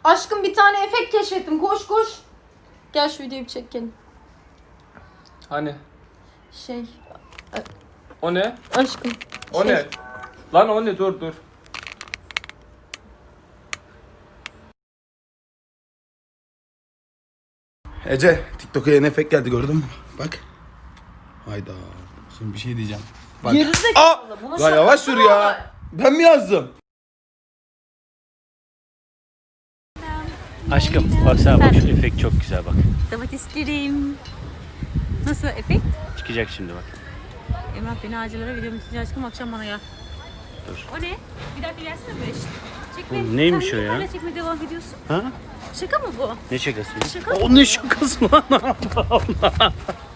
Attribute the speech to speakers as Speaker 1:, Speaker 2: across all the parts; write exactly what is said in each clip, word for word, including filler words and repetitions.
Speaker 1: Aşkım bir tane efekt keşfettim. Koş koş. Gel şu videoyu bir çekelim.
Speaker 2: Hani?
Speaker 1: Şey.
Speaker 2: O ne?
Speaker 1: Aşkım.
Speaker 2: O
Speaker 1: şey.
Speaker 2: ne? Lan o ne? Dur dur.
Speaker 3: Ece, TikTok'a yeni efekt geldi, gördün mü? Bak. Hayda. Şimdi bir şey diyeceğim. Bak.
Speaker 1: Gerizekalı. Bunu
Speaker 3: Ya yavaş sür ya. Ben mi yazdım?
Speaker 4: Aşkım baksana bak şu efekt çok güzel bak.
Speaker 5: Domateslerim. Nasıl efekt?
Speaker 4: Çıkacak şimdi bak.
Speaker 5: Emrah beni acılara video bitince aşkım akşam bana gel.
Speaker 4: Dur.
Speaker 5: O ne? Bir dakika gelsene böyle işte. Çekme.
Speaker 4: Oğlum neymiş
Speaker 5: Sen
Speaker 4: o
Speaker 5: niye
Speaker 4: ya?
Speaker 5: hala çekmeye devam ediyorsun?
Speaker 4: Ha?
Speaker 5: Şaka mı bu?
Speaker 4: Ne şakası?
Speaker 5: Şaka
Speaker 4: O ne şakası lan? Allah Allah.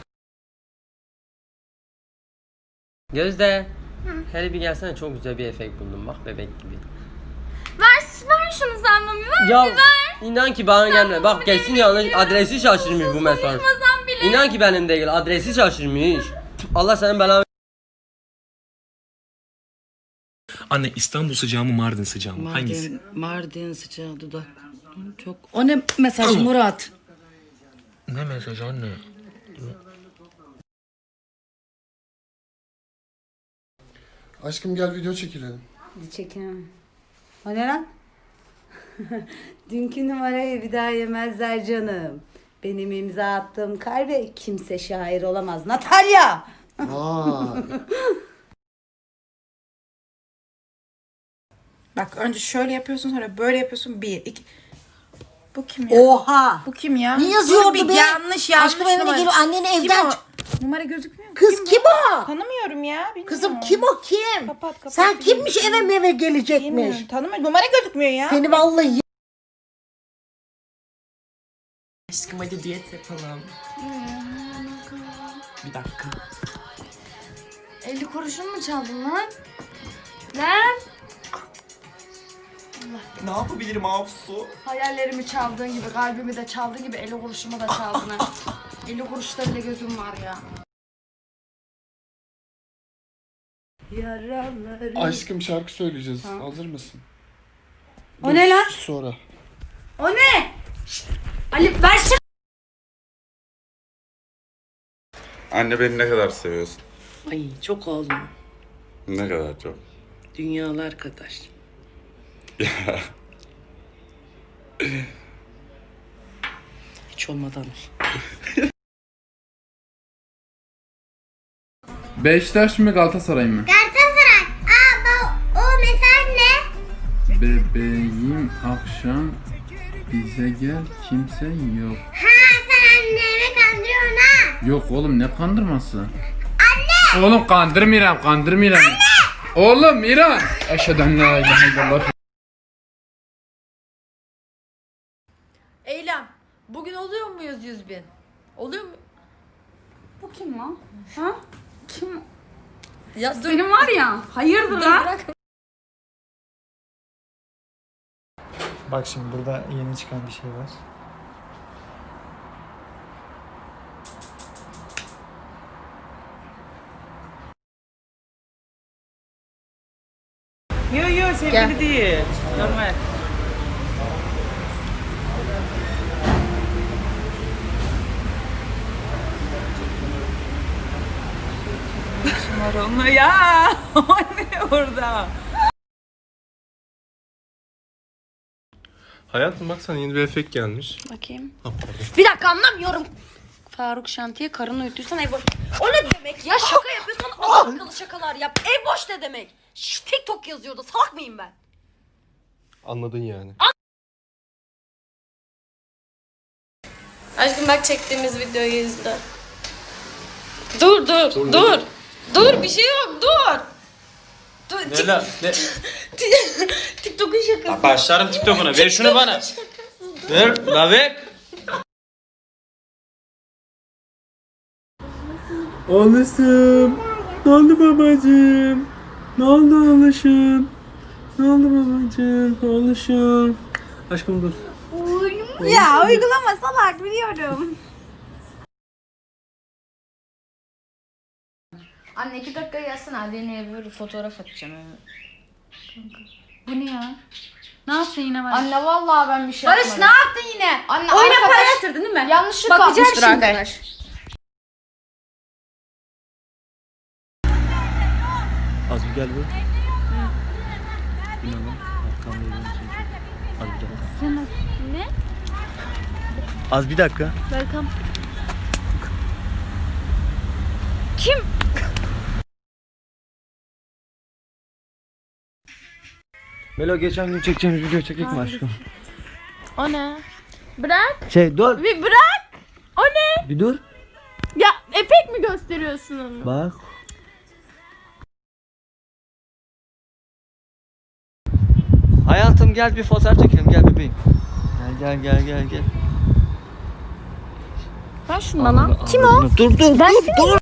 Speaker 6: Gözde. Hele bir gelsene, çok güzel bir efekt buldum bak, bebek gibi.
Speaker 7: Ver, ver şunu sen mami, ver
Speaker 6: Ya
Speaker 7: bir ver.
Speaker 6: inan ki bana gelme. Bak kesin yanlış adresi şaşırmış bu mesaj.
Speaker 7: Sormasan bile.
Speaker 6: İnan ki benim değil, adresi şaşırmış. Allah senin belanı.
Speaker 8: Anne İstanbul sıcağı mı Mardin sıcağı mı?
Speaker 9: Mardin,
Speaker 8: Hangisi?
Speaker 9: Mardin sıcağı dudak. Çok. O ne mesaj Murat?
Speaker 8: Ne mesaj anne?
Speaker 10: Aşkım gel video çekelim.
Speaker 9: Çekin. O ne lan? Dünkü numarayı bir daha yemezler canım. Benim imza attığım kalbe kimse şair olamaz. Natalya!
Speaker 10: Vay.
Speaker 1: Bak önce şöyle yapıyorsun, sonra böyle yapıyorsun. Bir, iki. Bu kim ya?
Speaker 9: Oha!
Speaker 1: Bu kim ya?
Speaker 9: Ne yazıyordu
Speaker 1: Dur bir
Speaker 9: be?
Speaker 1: Yanlış yanlış
Speaker 9: Aşkım evine
Speaker 1: numara.
Speaker 9: geliyor, anneni
Speaker 1: Kim
Speaker 9: evden
Speaker 1: o?
Speaker 9: çık-
Speaker 1: Numara gözükmüyor mu?
Speaker 9: Kız kim o?
Speaker 1: Tanımıyorum ya. Bilmiyorum.
Speaker 9: Kızım kim o kim?
Speaker 1: Kapat, kapat.
Speaker 9: Sen kimmiş eve meve gelecekmiş?
Speaker 1: Bilmiyorum. Tanımıyorum. Numara gözükmüyor ya.
Speaker 9: Seni vallahi
Speaker 8: Aşkım hadi diyet yapalım. Bir dakika.
Speaker 7: elli kuruşun mu çaldın lan? Lan?
Speaker 8: Ne yapabilirim Afsu?
Speaker 7: Hayallerimi çaldığın gibi, kalbimi de çaldığın gibi elli kuruşumu da çaldın ha. elli kuruşta bile gözüm var ya.
Speaker 9: yaralarım.
Speaker 10: Aşkım şarkı söyleyeceğiz. Hazır mısın?
Speaker 9: O ne lan?
Speaker 10: Sonra.
Speaker 9: O ne? Ali ver şu.
Speaker 3: Anne beni ne kadar seviyorsun?
Speaker 9: Ay çok oğlum.
Speaker 3: Ne kadar çok.
Speaker 9: Dünyalar kadar. Hiç olmadan.
Speaker 2: Beşiktaş mı Galatasaray mı?
Speaker 7: Galatasaray. Aa o mesaj ne?
Speaker 2: Bebeğim akşam bize gel, kimse yok.
Speaker 7: Ha sen annemi kandırıyorsun ha.
Speaker 2: Yok oğlum, ne kandırması? Anne! Oğlum kandırmıyorum, kandırmıyorum. Anne! Oğlum İran! Eşhedü en la ilahe illallah.
Speaker 1: Eylem. Bugün oluyor muyuz yüz bin? Oluyor mu?
Speaker 7: Bu kim lan? Ha? Kim?
Speaker 1: Ya dur.
Speaker 7: Benim var ya. Hayırdır
Speaker 1: Dur,
Speaker 7: lan?
Speaker 1: bırak.
Speaker 11: Bak şimdi burada yeni çıkan bir şey var.
Speaker 6: Yo yo sevgili değil. Normal.
Speaker 1: Var onunla ya. O ne orada?
Speaker 2: Hayatım bak, sana yeni bir efekt gelmiş.
Speaker 7: Bakayım.
Speaker 2: Ha, pardon.
Speaker 7: Bir dakika anlamıyorum. Faruk Şanti'ye karını uyutuysan ev boş. O ne demek ya? Şaka yapıyorsan adam akıllı şakalar yap. Ev boş ne demek? Şş, TikTok yazıyordu. Salak mıyım ben?
Speaker 2: Anladın yani.
Speaker 7: Aşkım bak çektiğimiz videoyu izle. Dur dur dur. Dur, dur bir şey yok dur. Dur.
Speaker 4: Ne lan? Ne?
Speaker 7: TikTok'un şakası.
Speaker 4: Başlarım TikTok'una. Ver şunu bana. Ver. La ver.
Speaker 2: Oğlum. Ne oldu babacığım? Ne oldu oğluşum? Ne oldu babacığım? Oğluşum. Aşkım dur.
Speaker 1: Ya uygulama salak biliyorum.
Speaker 7: Anne iki dakika yazsın hadi ne bir fotoğraf atacağım. Bu ne ya? Ne yaptın yine Barış?
Speaker 1: Anne vallahi ben bir şey
Speaker 7: Barış
Speaker 1: yapmadım.
Speaker 7: ne yaptın yine?
Speaker 1: Anne
Speaker 7: Oyuna
Speaker 1: arkadaş-
Speaker 7: para yatırdın değil mi?
Speaker 1: Yanlışlıkla
Speaker 7: Bakacağım
Speaker 1: atmıştır
Speaker 7: şimdi.
Speaker 1: arkadaş.
Speaker 8: Az bir gel bu. Bin oğlum. Arkamda yürüyorum seni çok. Az bir dakika.
Speaker 5: Sen ne?
Speaker 8: Az bir dakika.
Speaker 5: Welcome. Kim?
Speaker 8: Melo geçen gün çekeceğimiz video çekecek mi aşkım?
Speaker 5: O ne? Bırak.
Speaker 8: Şey dur.
Speaker 5: Bir bırak. O ne?
Speaker 8: Bir dur.
Speaker 5: Ya epek mi gösteriyorsun onu?
Speaker 8: Bak. Hayatım gel bir fotoğraf çekelim gel bebeğim. Gel gel gel gel gel.
Speaker 5: Ver şunu bana. Kim o?
Speaker 8: Dur dur
Speaker 5: Ben
Speaker 8: dur dur.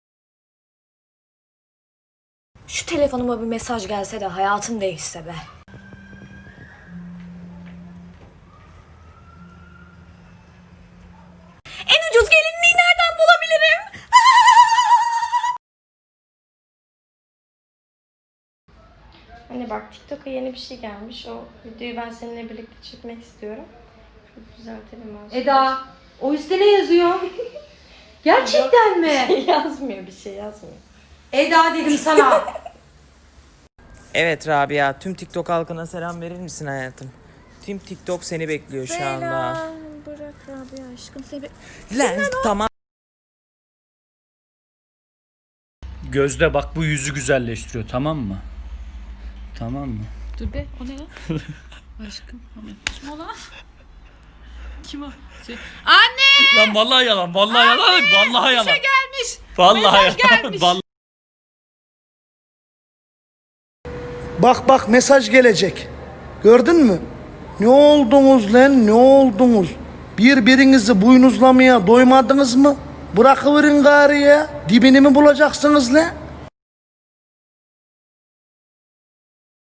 Speaker 7: Şu telefonuma bir mesaj gelse de hayatım değişse be. En ucuz gelinliği nereden bulabilirim?
Speaker 5: Hani bak TikTok'a yeni bir şey gelmiş. O videoyu ben seninle birlikte çekmek istiyorum. Çok düzeltelim ben.
Speaker 7: Eda, o üstte ne yazıyor? Gerçekten mi?
Speaker 5: yazmıyor bir şey yazmıyor.
Speaker 7: Eda dedim sana.
Speaker 4: Evet Rabia, tüm TikTok halkına selam verir misin hayatım? Tüm TikTok seni bekliyor şu anda.
Speaker 5: Bırak Rabia aşkım seni.
Speaker 4: Lan tamam.
Speaker 8: Gözde bak bu yüzü güzelleştiriyor tamam mı? Tamam mı?
Speaker 5: Dur be o ne ya? Aşkım. Kim o lan? Kim o? Şey... Anne!
Speaker 8: Lan vallahi yalan, vallahi yalan, vallahi yalan.
Speaker 5: Bir şey gelmiş.
Speaker 8: Vallahi
Speaker 5: Mesaj
Speaker 8: yalan.
Speaker 5: gelmiş.
Speaker 8: Vallahi.
Speaker 3: Bak bak mesaj gelecek. Gördün mü? Ne oldunuz lan ne oldunuz? Birbirinizi buynuzlamaya doymadınız mı? Bırakıverin gari ya. Dibini mi bulacaksınız lan?